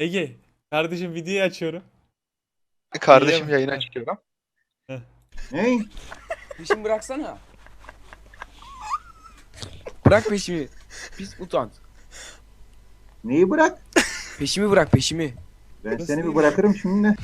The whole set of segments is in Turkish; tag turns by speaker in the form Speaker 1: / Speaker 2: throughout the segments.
Speaker 1: Ege. Kardeşim videoyu açıyorum.
Speaker 2: Kardeşim
Speaker 1: İyi.
Speaker 2: yayın açıyorum.
Speaker 1: Heh.
Speaker 3: Ne?
Speaker 4: Peşimi bıraksana. Bırak peşimi. Pis mutant.
Speaker 3: Neyi bırak?
Speaker 4: Peşimi bırak peşimi.
Speaker 3: Ben
Speaker 1: Nasıl
Speaker 3: seni bir
Speaker 1: değil?
Speaker 3: bırakırım şimdi.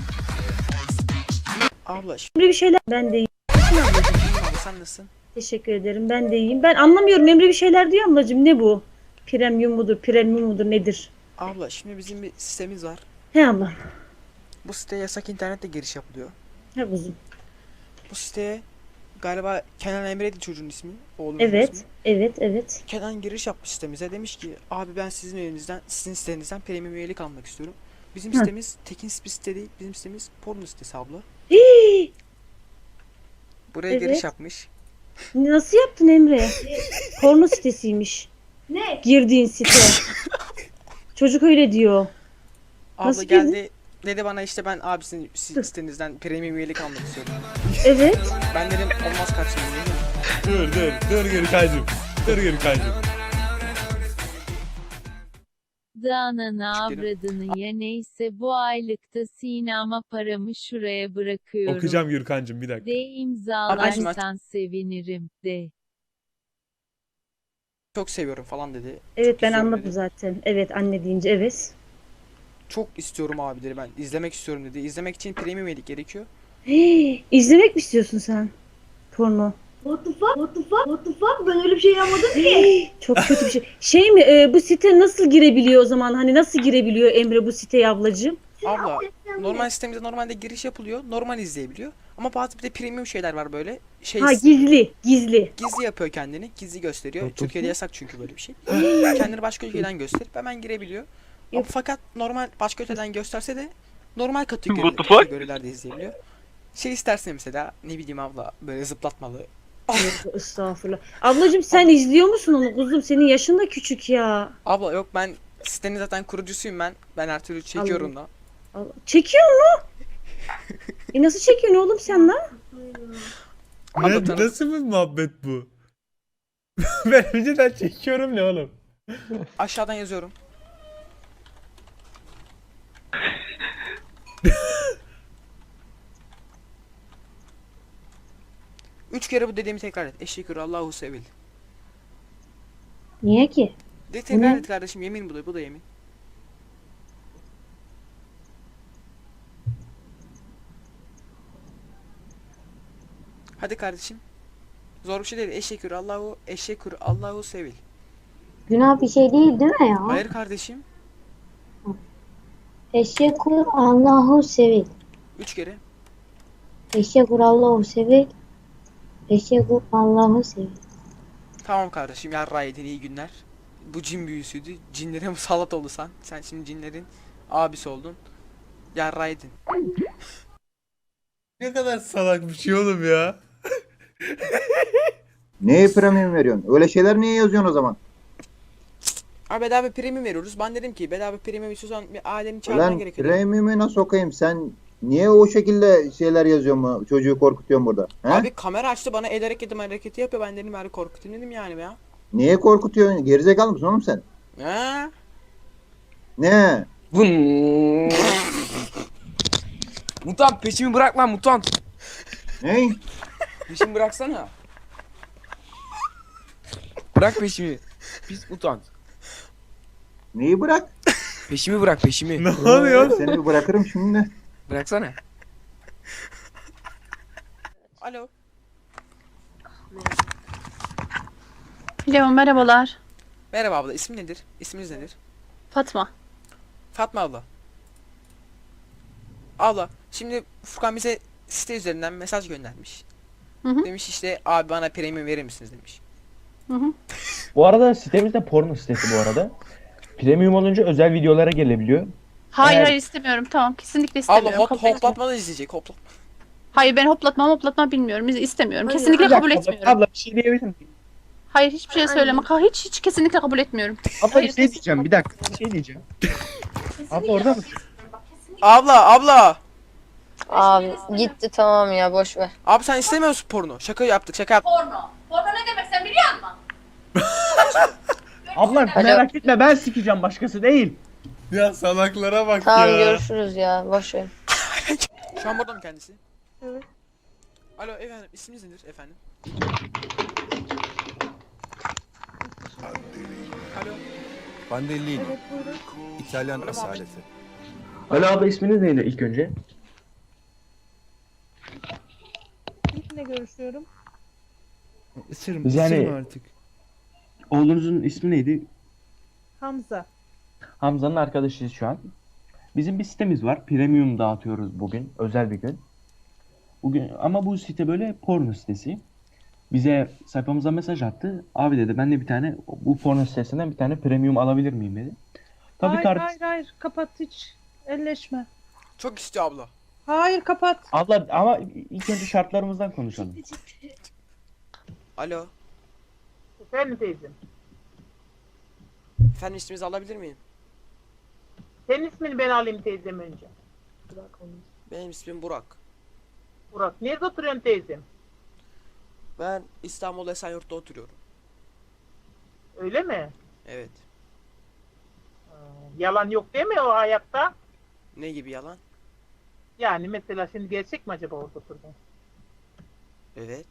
Speaker 4: Abla
Speaker 5: Emre bir şeyler ben de iyiyim.
Speaker 4: abi sen nasılsın?
Speaker 5: Teşekkür ederim. Ben de iyiyim. Ben anlamıyorum. Emre bir şeyler diyor ablacığım. Ne bu? Premium mudur nedir?
Speaker 4: Abla şimdi bizim bir sitemiz var.
Speaker 5: He ablam.
Speaker 4: Bu siteye yasak internetle giriş yapılıyor.
Speaker 5: He kuzum.
Speaker 4: Bu siteye galiba Kenan Emre'ydi çocuğun ismi. Oğlunun
Speaker 5: Evet.
Speaker 4: ismi.
Speaker 5: Evet.
Speaker 4: Kenan giriş yapmış sitemize. Demiş ki abi ben sizin sitenizden premium üyelik almak istiyorum. Bizim
Speaker 5: Hı.
Speaker 4: sitemiz tekin bir site değil. Bizim sitemiz porno sitesi abla.
Speaker 5: Hii!
Speaker 4: Buraya
Speaker 5: Evet.
Speaker 4: giriş yapmış.
Speaker 5: Nasıl yaptın Emre? Porno sitesiymiş. Ne? Girdiğin site. Çocuk öyle diyor.
Speaker 4: Abla
Speaker 5: Nasıl
Speaker 4: geldi. Dedi bana işte ben abisinin sitenizden premium üyelik almak istiyorum.
Speaker 5: Evet.
Speaker 4: Ben dedim olmaz kardeşim. Dedim.
Speaker 1: Dur Gürkan'cım. Dur Gürkan'cım.
Speaker 6: Ananı avradını ya neyse bu aylıkta Sinema paramı şuraya bırakıyorum.
Speaker 1: Okuyacağım Gürkan'cım bir dakika.
Speaker 6: De
Speaker 4: Arkadaşım
Speaker 6: imzalarsan sevinirim de.
Speaker 4: Çok seviyorum falan dedi.
Speaker 5: Evet
Speaker 4: Çok
Speaker 5: ben
Speaker 4: istiyorum
Speaker 5: anladım
Speaker 4: dedi.
Speaker 5: zaten. Evet anne deyince evet.
Speaker 4: Çok istiyorum abi dedi, ben izlemek istiyorum dedi. İzlemek için premium üyelik gerekiyor.
Speaker 5: Hii, izlemek mi istiyorsun sen? Porno.
Speaker 7: What the fuck? What the fuck? What the fuck? Ben öyle bir şey yapmadım ki.
Speaker 5: Çok kötü bir şey. Şey mi bu site nasıl girebiliyor o zaman? Hani nasıl girebiliyor Emre bu siteye ablacığım?
Speaker 4: Abla normal sistemimizde normalde giriş yapılıyor. Normal izleyebiliyor. Ama bazı bir de premium şeyler var böyle.
Speaker 5: Ha gizli.
Speaker 4: Gizli yapıyor kendini. Gizli gösteriyor. Türkiye'de yasak çünkü böyle bir şey. Kendini başka ülkeden gösterip hemen girebiliyor. Ama
Speaker 5: Yok.
Speaker 4: fakat normal başka ülkeden gösterse de normal kategorilerde izleyebiliyor. Şey istersen mesela ne bileyim abla böyle zıplatmalı.
Speaker 5: Yok, estağfurullah. Ablacığım sen izliyor musun onu kuzum? Senin yaşın da küçük ya.
Speaker 4: Abla yok ben sitenin zaten kurucusuyum ben. Ben her türlü çekiyorum da.
Speaker 5: Allah. Çekiyor mu? Nasıl çekiyorsun oğlum sen lan?
Speaker 4: Abla tanı-
Speaker 1: Nasıl bir muhabbet bu? Ben önceden çekiyorum ne oğlum?
Speaker 4: Aşağıdan yazıyorum. Üç kere bu dediğimi tekrar et. Eşşekür Allahu sevil.
Speaker 5: Niye ki?
Speaker 4: De tekrar et kardeşim, yemin bu da yemin. Hadi kardeşim. Zor bir şey değil. Eşşekür Allahu sevil.
Speaker 7: Günah bir şey değil mi ya?
Speaker 4: Hayır kardeşim.
Speaker 7: Teşekkür Allahu sevil.
Speaker 4: Üç kere.
Speaker 7: Teşekkür Allahu sevil. Teşekkür Allahu sevil.
Speaker 4: Tamam kardeşim, yarra yedin, iyi günler. Bu cin büyüsüydü. Cinlere musallat oldu sen. Sen şimdi cinlerin abisi oldun. Yarra yedin.
Speaker 1: Ne kadar salak bir şey oğlum ya.
Speaker 3: Neye premium veriyorsun? Öyle şeyler niye yazıyorsun o zaman?
Speaker 4: Abi bedava premium veriyoruz. Ben dedim ki bedava premium istiyorsan bir alemi çağırman
Speaker 3: Ulan
Speaker 4: gerekiyor. dedim.
Speaker 3: premium'u nasıl sokayım? Sen niye o şekilde şeyler yazıyorsun mu? Çocuğu korkutuyorsun burada. He?
Speaker 4: Abi kamera açtı bana, el hareketi yapıyor. Ben dedim bari korkutayım dedim yani ya.
Speaker 3: Niye korkutuyorsun? Gerizekalı mısın oğlum sen?
Speaker 4: Ha?
Speaker 3: Ne?
Speaker 4: Mutant peşimi bırak lan mutant.
Speaker 3: Ne?
Speaker 4: Peşimi bıraksana. Bırak peşimi. Pis mutant.
Speaker 3: Neyi bırak?
Speaker 4: Peşimi bırak peşimi.
Speaker 1: Ne oluyor?
Speaker 3: Ben seni bir bırakırım şimdi.
Speaker 4: Bıraksana. Alo.
Speaker 8: Alo, merhabalar.
Speaker 4: Merhaba abla, ismin nedir? İsminiz nedir?
Speaker 8: Fatma.
Speaker 4: Fatma abla. Abla şimdi Furkan bize site üzerinden mesaj göndermiş.
Speaker 8: Hı hı.
Speaker 4: Demiş işte abi bana premium verir misiniz demiş.
Speaker 8: Hı hı.
Speaker 9: Bu arada sitemiz de porno sitesi bu arada. Premium olunca özel videolara gelebiliyor.
Speaker 8: Hayır
Speaker 9: Eğer-
Speaker 8: hayır istemiyorum. Tamam kesinlikle
Speaker 4: Abla
Speaker 8: istemiyorum. Kabul etmiyorum.
Speaker 4: hoplatmadan izleyecek hoplatma.
Speaker 8: Hayır ben hoplatma bilmiyorum. İstemiyorum.
Speaker 4: Hayır,
Speaker 8: Kesinlikle
Speaker 9: Bir dakika,
Speaker 8: kabul etmiyorum.
Speaker 9: Abla bir şey diyebilir miyim?
Speaker 8: Hayır hiçbir şey söyleme. Hiç kesinlikle kabul etmiyorum.
Speaker 9: Abla bir şey diyeceğim, bir dakika bir şey diyeceğim. Abla orada mısın?
Speaker 4: Abla.
Speaker 10: Abi gitti tamam ya boş ver.
Speaker 4: Abi sen istemiyorsun porno. Şaka yaptık.
Speaker 8: Porno. Porno ne demek sen biliyor musun?
Speaker 9: Abla merak etme, ben sikeceğim, başkası değil.
Speaker 1: Ya salaklara bak
Speaker 10: Tamam
Speaker 1: ya.
Speaker 10: görüşürüz ya. Boş ver.
Speaker 4: Şu an burada mı kendisi?
Speaker 7: Evet.
Speaker 4: Alo efendim, isminiz nedir efendim? Alo.
Speaker 11: Bandellini,
Speaker 7: Evet buyurun.
Speaker 11: İtalyan
Speaker 4: Öyle mi
Speaker 11: asaleti.
Speaker 9: Ali abla isminiz neydi ilk önce?
Speaker 7: Kiminle görüşüyorum?
Speaker 1: Isırma,
Speaker 9: Biz yani-
Speaker 1: ısırma artık.
Speaker 9: Oğlunuzun ismi neydi?
Speaker 7: Hamza.
Speaker 9: Hamza'nın arkadaşıyız şu an. Bizim bir sitemiz var. Premium dağıtıyoruz bugün. Özel bir gün. Bugün ama bu site böyle porno sitesi. Bize sayfamıza mesaj attı. Abi dedi ben de bir tane bu porno sitesinden bir tane premium alabilir miyim dedi. Tabii
Speaker 7: Hayır kapat hiç. Elleşme.
Speaker 4: Çok istiyor abla.
Speaker 7: Hayır kapat.
Speaker 9: Abla ama ilk önce şartlarımızdan konuşalım.
Speaker 4: Alo.
Speaker 7: Efendim teyzem.
Speaker 4: Efendim, isminizi alabilir miyim?
Speaker 7: Senin ismini ben alayım teyzem önce.
Speaker 4: Benim ismim Burak.
Speaker 7: Burak. Nerede oturuyorsun teyzem?
Speaker 4: Ben İstanbul Esenyurt'ta oturuyorum.
Speaker 7: Öyle mi?
Speaker 4: Evet.
Speaker 7: Yalan yok değil mi o hayatta?
Speaker 4: Ne gibi yalan?
Speaker 7: Yani mesela şimdi gerçek mi acaba orada oturduğun?
Speaker 4: Evet.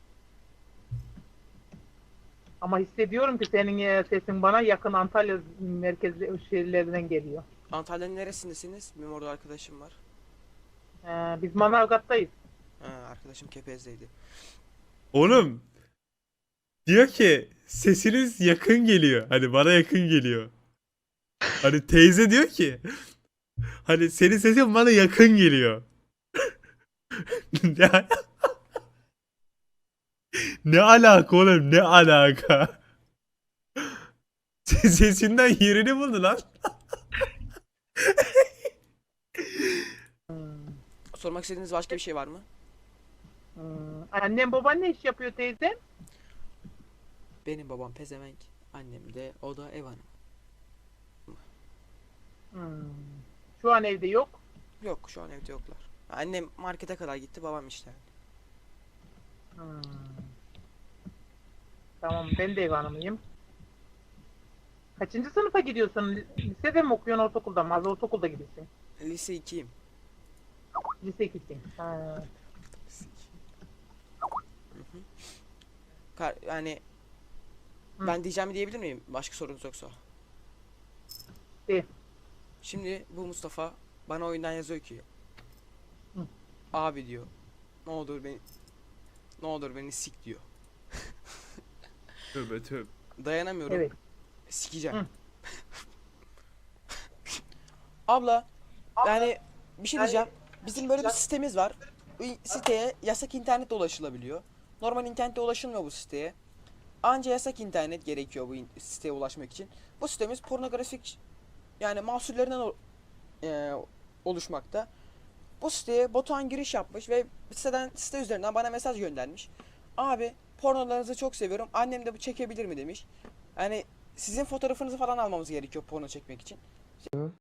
Speaker 7: Ama hissediyorum ki senin sesin bana yakın Antalya merkezli şehirlerinden geliyor.
Speaker 4: Antalya'nın neresindesiniz? Benim orada arkadaşım var.
Speaker 7: Biz Manavgat'tayız.
Speaker 4: Ha, arkadaşım Kepez'deydi.
Speaker 1: Oğlum. Diyor ki sesiniz yakın geliyor. Hani bana yakın geliyor. Hani teyze diyor ki hani senin sesin bana yakın geliyor. Ne, ne alaka oğlum, ne alaka? Sesinden yerini buldu lan.
Speaker 4: Sormak istediğiniz başka bir şey var mı?
Speaker 7: Annem baban ne iş yapıyor teyze?
Speaker 4: Benim babam pezevenk. Annem de, o da ev hanımı.
Speaker 7: Şu an evde yok.
Speaker 4: Yok, şu an evde yoklar. Annem markete kadar gitti, babam işte.
Speaker 7: Tamam ben de ev hanımıyım. Kaçıncı sınıfa gidiyorsun? Lisede mi okuyorsun ortaokulda mı? Az ortaokulda gidiyorsun.
Speaker 4: Lise 2'yim.
Speaker 7: Lise 2'sin.
Speaker 4: Yani ben diyeceğimi diyebilir miyim? Başka sorunuz yoksa.
Speaker 7: De.
Speaker 4: Şimdi bu Mustafa bana oyundan yazıyor ki abi diyor, ne olur beni sik diyor.
Speaker 1: Tövbe tövbe.
Speaker 4: Dayanamıyorum.
Speaker 7: Evet.
Speaker 4: Sikeceğim. Abla, yani bir şey diyeceğim. Bizim böyle bir sitemiz var. Bu siteye yasak internetle ulaşılabiliyor. Normal internette ulaşılmıyor bu siteye. Anca yasak internet gerekiyor bu siteye ulaşmak için. Bu sitemiz pornografik, yani mahsullerinden oluşmakta. Bu siteye Batuhan giriş yapmış ve site üzerinden bana mesaj göndermiş. Abi pornolarınızı çok seviyorum. Annem de bu çekebilir mi demiş. Yani sizin fotoğrafınızı falan almamız gerekiyor porno çekmek için.